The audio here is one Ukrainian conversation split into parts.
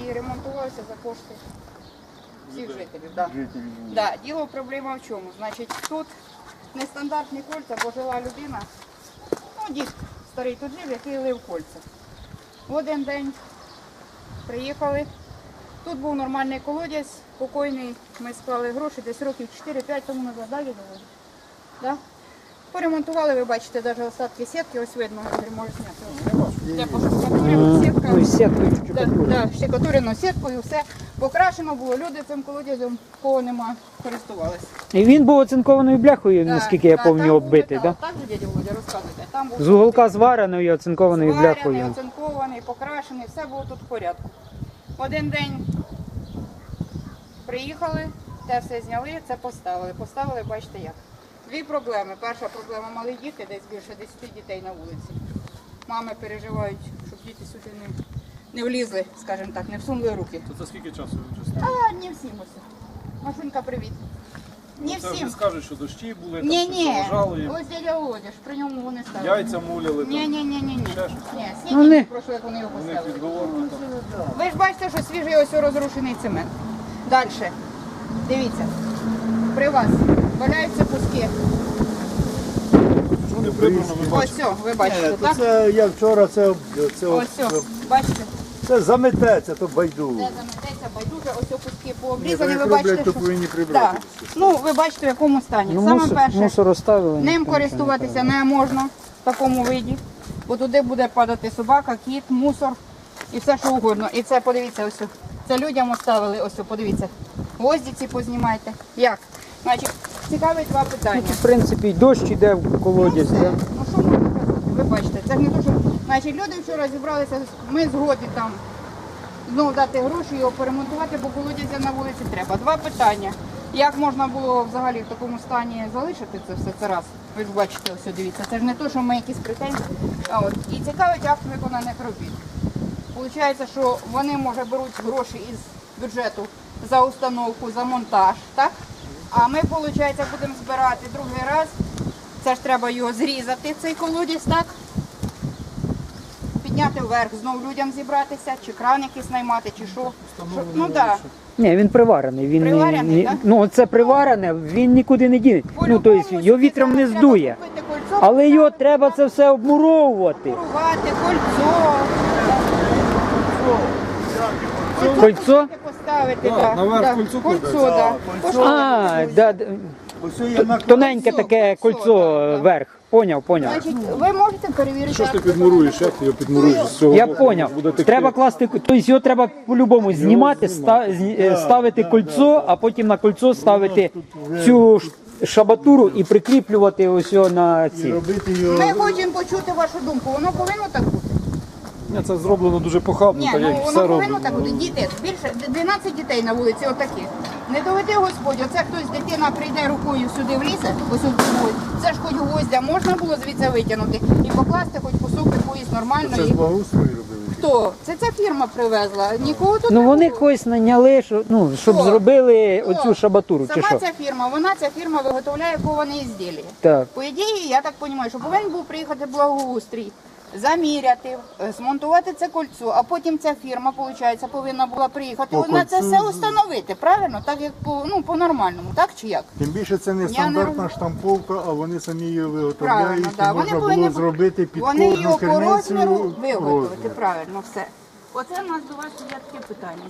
і ремонтувалися за кошти всіх жителів. Да. Да. Діло, проблема в чому? Значить, тут нестандартні кольця, бо жила людина, ну дід старий тут жив, який лив кольця. В один день приїхали, тут був нормальний колодязь, спокійний, ми склали гроші, десь років 4-5 тому назад, да, віддали? Да? Поремонтували, ви бачите, навіть остатки сітки, ось видно, може зняти. Де поштукатурено, сітка. Ну, сіткою штукатурено. Да, штукатурено сіткою, все покрашено було, люди цим колодязем, кого нема, користувалися. І він був оцинкованою бляхою, наскільки я пам'ятаю, оббитий, так? Так, дядя Володя, розказуйте. Там був З уголка звареною і оцинкованою зварений, бляхою. оцинкований, покрашений, все було тут в порядку. Один день приїхали, те все зняли, це поставили. Поставили, бачите як. Дві проблеми. Перша проблема – малі діти, десь більше 10 дітей на вулиці. Мами переживають, щоб діти сюди не влізли, скажімо так, не всунули руки. То це скільки часу ви вже А, не всім ось. Машинка, привіт. Не Це вже всім. скажуть, що дощі були, там Ні, щось ні. заважало їм. Ось дядя Володя ж, при ньому вони ставили. Яйця муляли, Ні, там, ні, ні, ні, ні. ще щось. Ні, Ну, не. сніг прошло, як вони його У них поставили. відговорки там. Ви ж бачите, що свіжий ось розрушений цемент. Далі. Дивіться. При вас валяються куски. Що не прибрано, ви Ось бачите. все, ви бачите, То так? це я вчора Ось все, бачите? це замететься, то байду. Де замететься байдуже, ось куски Ні, пообрізані, ви як бачите, роблять, то що... повинні Да. прибрати. Ну, ви бачите, в якому стані. Ну, Саме перше, мусор оставили. ним ніхто нічого не користуватися каже. не можна в такому виді, бо туди буде падати собака, кіт, мусор і все, що угодно. І це, подивіться, ось, це людям оставили, ось, подивіться, гвозді ці познімайте. Як? Значить, цікаві два питання. В принципі, й дощ іде в колодязь. Ну, все. так? Ну що можна казати? Ви бачите, це ж не то, що... Значить, люди вчора зібралися, ми згодні там знову дати гроші, його поремонтувати, бо колодязя на вулиці треба. Два питання. Як можна було взагалі в такому стані залишити це все? Це раз. Ви ж бачите, ось дивіться. Це ж не то, що ми якісь претензії. А от. І цікавить акт виконаних робіт. Получається, що вони, може, беруть гроші із бюджету за установку, за монтаж, так? А ми, виходить, будемо збирати другий раз. Це ж треба його зрізати, цей колодязь, так? Підняти вверх, знову людям зібратися, чи кран якийсь наймати, чи що. Ну так. Ні, він приварений. Він Приварений, так? Ну, це приварене, він нікуди не діне. Ну, тобто, його вітром не здує. Але його треба це все обмуровувати. Мурувати, кольцо. Кольцо? Поставити, Да, так. наверх Да. кольцо Кольцо, так. А, да, Ось я на тоненьке таке кольцо, кольцо так. вверх. Поняв. Значить, ви можете перевірити. Що ж ти акт підмуруєш, як ти його підмуруєш з цього Я боку? поняв. Буде текти. Треба класти, тобто його треба по-любому знімати, ставити кольцо, а потім на кольцо ставити цю шабатуру і прикріплювати ось його на ці. робити його. Ми хочемо почути вашу думку. Воно повинно так бути? Ні, це зроблено дуже похабно, Ні, так ну як все воно повинно роблено. так бути. Діти, більше 12 дітей на вулиці, отакі. Не доведи Господь, оце хтось дитина прийде рукою сюди влізе, ось у двоє. Це ж хоч гвоздя можна було звідси витягнути і покласти хоч кусок якоїсь Це нормальної. ж благоустрої робили. Хто? Це ця фірма привезла. Нікого тут Ну не вони було. когось наняли, щоб Хто? зробили Хто? оцю шабатуру. Чи Сама що? ця фірма виготовляє ковані ізділля. Так. По ідеї, я так розумію, що повинен був приїхати благоустрій, заміряти, змонтувати це кольцо, а потім ця фірма, виходить, повинна була приїхати, По вона це кольцу. все установити, правильно? Так як по-нормальному, так чи як? Тим більше це не Я стандартна не- штамповка, а вони самі її Правильно, виготовляють. да. І Вони можна повинні було зробити під вони кожну його по керницю розміру виготовити, розмір. правильно, все. Оце у нас до вас є таке питання.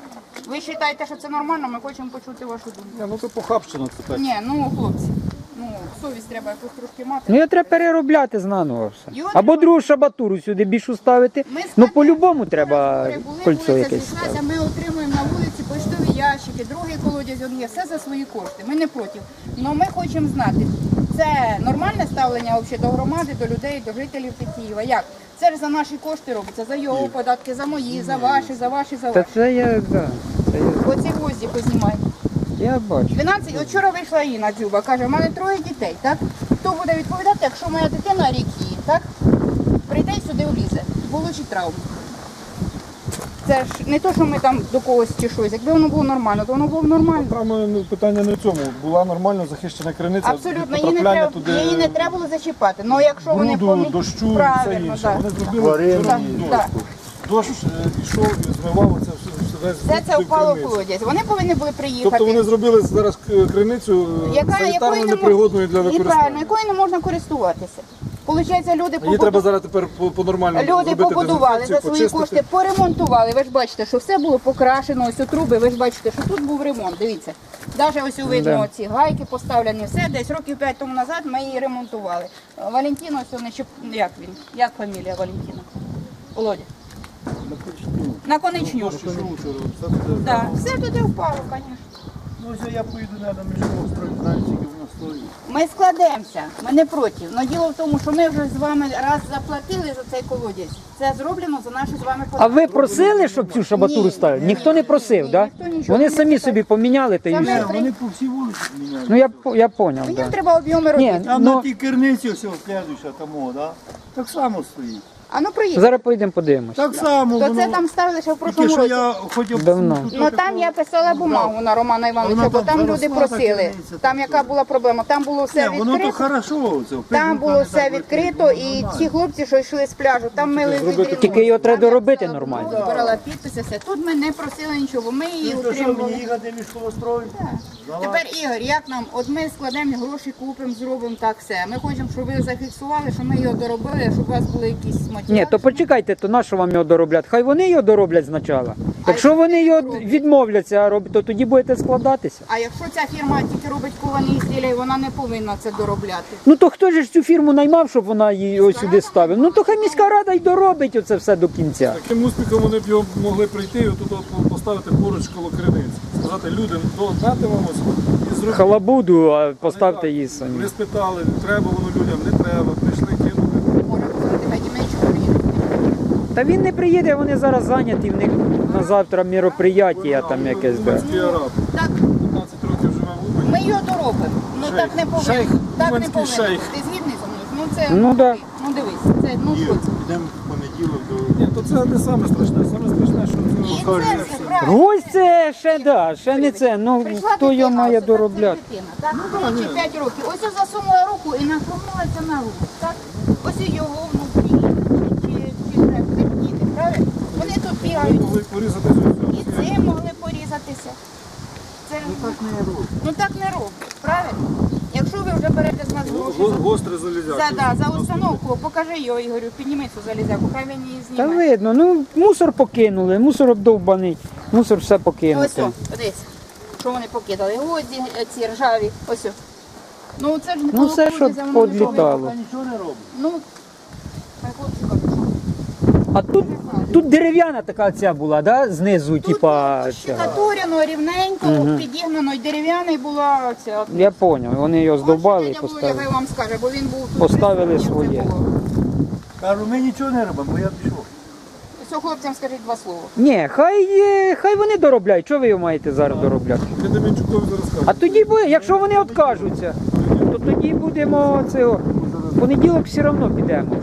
Ви вважаєте, що це нормально, ми хочемо почути вашу думку. Ні, ну це похабщина, це так. Ні, ну хлопці, совість треба якусь трошки мати. Ну його треба переробляти знаново все. Його Або треба- другу шабатуру сюди більшу ставити. Ми з Ну Катєю по-любому треба були, кольцо вулиця якесь зійшлася, ставити. ми отримуємо на вулиці поштові ящики, другий колодязь, он є, все за свої кошти. Ми не проти. Але ми хочемо знати, це нормальне ставлення взагалі до громади, до людей, до жителів Тетіїва. Як? Це ж за наші кошти робиться, за його податки, за мої, за ваші, за ваші, за Та ваші. це я, да, це Оці гвозді познімай. я бачу. 12, от вчора вийшла Інна Дзюба, каже, в мене 3 дітей, так? Хто буде відповідати, якщо моя дитина рік її, так? Прийде і сюди влізе, получить травму. Це ж не то, що ми там до когось чи щось. Якби воно було нормально, то воно було б нормально. Прямо питання не в цьому. Була нормально захищена криниця, Абсолютно, від її потрапляння туди її не треба було зачіпати. Ну якщо вони бруду, дощу і все правильно, інше. так. Вони зробили Тварин. Так, чорний так. дощ. Дощ ішов і змивав це все. Все це впало в колодязь. Вони повинні були приїхати. Тобто вони зробили зараз криницю санітарно непригодною для І правильно, використання. якою не можна користуватися. Получається, люди Її треба зараз тепер по-нормальному Люди зробити побудували за дезінфекцію, свої почистити. кошти, поремонтували. Ви ж бачите, що все було покрашено, ось у труби. Ви ж бачите, що тут був ремонт. Дивіться. Навіть ось видно ці гайки поставлені, все. Десь років 5 тому назад ми її ремонтували. Валентіно, ось не як він? Як фамілія Валентіна? Володя. На Конечню. Да. Все туди впало, звісно. Ну, все, я поїду на міжкову строю, знаю, скільки воно стоїть. Ми складемося, ми не проти. Но діло в тому, що ми вже з вами раз заплатили за цей колодязь. Це зроблено за наші з вами А податки. ви просили, щоб цю шабатуру Ні, ставили? ні, Ніхто не ні, просив, ні, так? ніхто нічого Вони не самі сказав. собі поміняли та й Саме все. Вони по всій вулиці міняють. Ну я поняв, Мені так. треба об'єми Ні, робити. Там ну- на тій керниці все, слідуюча тому, да? Так само стоїть. А ну приїдь. Зараз поїдемо подивимось. Так само То воно. це там ставили ще в Тільки прошлому що році. я хотів... Давно. Ну там я писала бумагу на Романа Івановича, Вона бо там там люди заросла, просили. так і Там яка була проблема? Там було все Ні, воно то відкрито. хорошо. Це, Там було все відкрито, і ці хлопці, що йшли з пляжу, там мили відрізали. Тільки його треба Там я доробити писала нормально. бумагу, збирала підписи, все. Тут ми не просили нічого, ми її То що мені утримували. їхати міжкову строю? Тепер, Ігор, як нам? От ми складемо гроші, купимо, зробимо так все. Ми хочемо, щоб ви зафіксували, що ми його доробили, щоб у вас були якісь мотивації. Ні, то почекайте, то на що вам його дороблять? Хай вони його дороблять спочатку. Якщо вони його відмовляться робити, то тоді будете складатися. А якщо ця фірма тільки робить ковані ізділля, вона не повинна це доробляти. Ну то хто ж цю фірму наймав, щоб вона її ось сюди ставила? Ну то хай міська рада й доробить оце все до кінця. Таким успіхом вони б його могли прийти і отут от поставити поруч коло криниці. Сказати людям, дати вам ось і зробити. Халабуду, а поставте її самі. Ми спитали, треба воно людям, не треба, прийшли, кинули. Може позвонити Феді Менчуку, приїде. Та він не приїде, вони зараз зайняті, в них на завтра мероприятія там якесь. Да. Уманський араб, Так, 15 років живе в Умані. ми його доробимо. Ну так не повинно. Шейх, Так не уманський повинно. шейх. Ти згідний зі мною? Ну це Ну, да. ну дивись, це ну що це? Підемо в понеділок до... Ні, то це не саме страшне. Саме страшне, що І це це все правильно. Ось це ще да, ще не це. Ну Прийшла хто його дитина, має ось така доробляти? дитина, Так, ну, 5 років. Ось засунула руку і нахромилася на руку. Так? Ось і його внутрі, чи діти, правильно? Вони тут бігають. могли порізати з І цим могли порізатися. Це ну так не роблять, правильно? Якщо ви вже берете з нас гроші гостре залізяк. за установку, покажи його, Ігорю, підніми цю залізяку, хай він її Та зніме. видно, ну мусор покинули, мусор обдовбаний, мусор все Ось, покинути. о, подивись, що вони покидали. Гвозді ці ржаві, ось. О. Ну це ж не Ну все, що колокольня, воно не подлітало. Нічого не робить. Ну, хай хлопці кажуть. А тут дерев'яна така ця була, да? Знизу, типа. Ця. Штукатуряно, рівненько, підігнано, й дерев'яний була ця. Я зрозумів, вони його здовбали і Дядя Володя, хай поставили. вам скаже, бо він був тут. Поставили присутній, своє. це було. Кажу, ми нічого не робимо, бо я пішов. Все, хлопцям скажіть два слова. Ні, хай вони доробляють. Чого ви його маєте зараз доробляти? Я Деменчукові зараз кажу. А тоді буде, якщо вони відкажуться, то тоді будемо цього. В понеділок все одно підемо.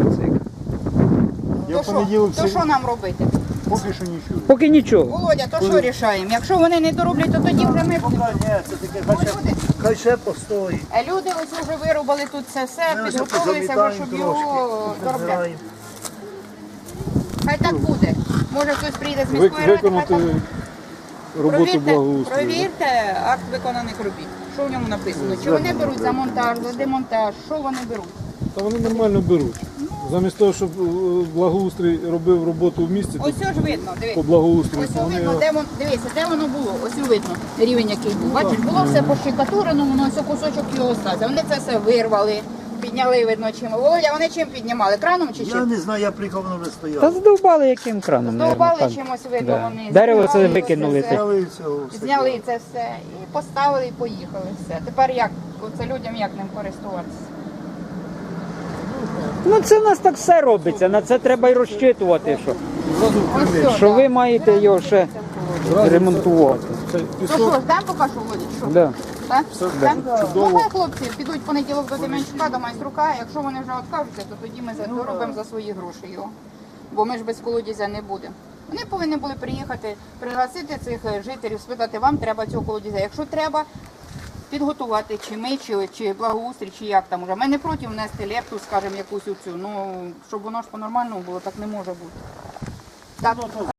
Я в понеділок То що нам робити? поки що нічого. Поки нічого. Володя, то що рішаємо? Якщо вони не дороблять, то тоді вже ми будемо. Ні, це таке, хай ще постоїть. Люди ось вже вирубали тут це все, Ми ось підготовилися, вже, позамітаємо щоб його трошки, доробляти. позбираємо. Хай так буде. Може хтось прийде з міської ради, хай Виконати так. роботу благоустрою. Провірте акт виконаних робіт. Що в ньому написано? Чи вони беруть за монтаж, за демонтаж, що вони беруть? Та вони нормально беруть. Замість того, щоб благоустрій робив роботу в місті, Ось ж видно, по дивись. благоустрою, Ось то вони видно, дивися, де воно було. Ось видно рівень, який був. Бачиш, було все пощикатурено, воно ось кусочок його остався. Вони це все вирвали, підняли, видно чим. Володя, вони чим піднімали? Краном чи Я чим? не знаю, я приїхав, воно вже Та стояло. здовбали яким краном. Здовбали наверно, так. чимось, видно, Да. вони. Дерево це Зняли викинули. це те. Зняли цього. Зняли це все і поставили і поїхали. Все. Тепер як? Це людям як ним користуватися? Ну це в нас так все робиться, на це треба й розчитувати, зразу в Ось криниці. що ви маєте його ще ремонтувати. Це Ну пісок. що ж, дай покажу, Володя, що? Да. Так? Все Так? чудово. Ну, хай хлопці підуть в понеділок до Деменчука, до майструка. Якщо вони вже відкажуться, то тоді ми доробимо за свої гроші його. Бо ми ж без колодязя не будемо. Вони повинні були приїхати, пригласити цих жителів, спитати, вам треба цього колодязя. Якщо треба, підготувати чи ми, чи благоустрій, чи як там уже. Ми не проти внести лепту, скажімо, якусь оцю. Ну, щоб воно ж по-нормальному було, так не може бути. Так,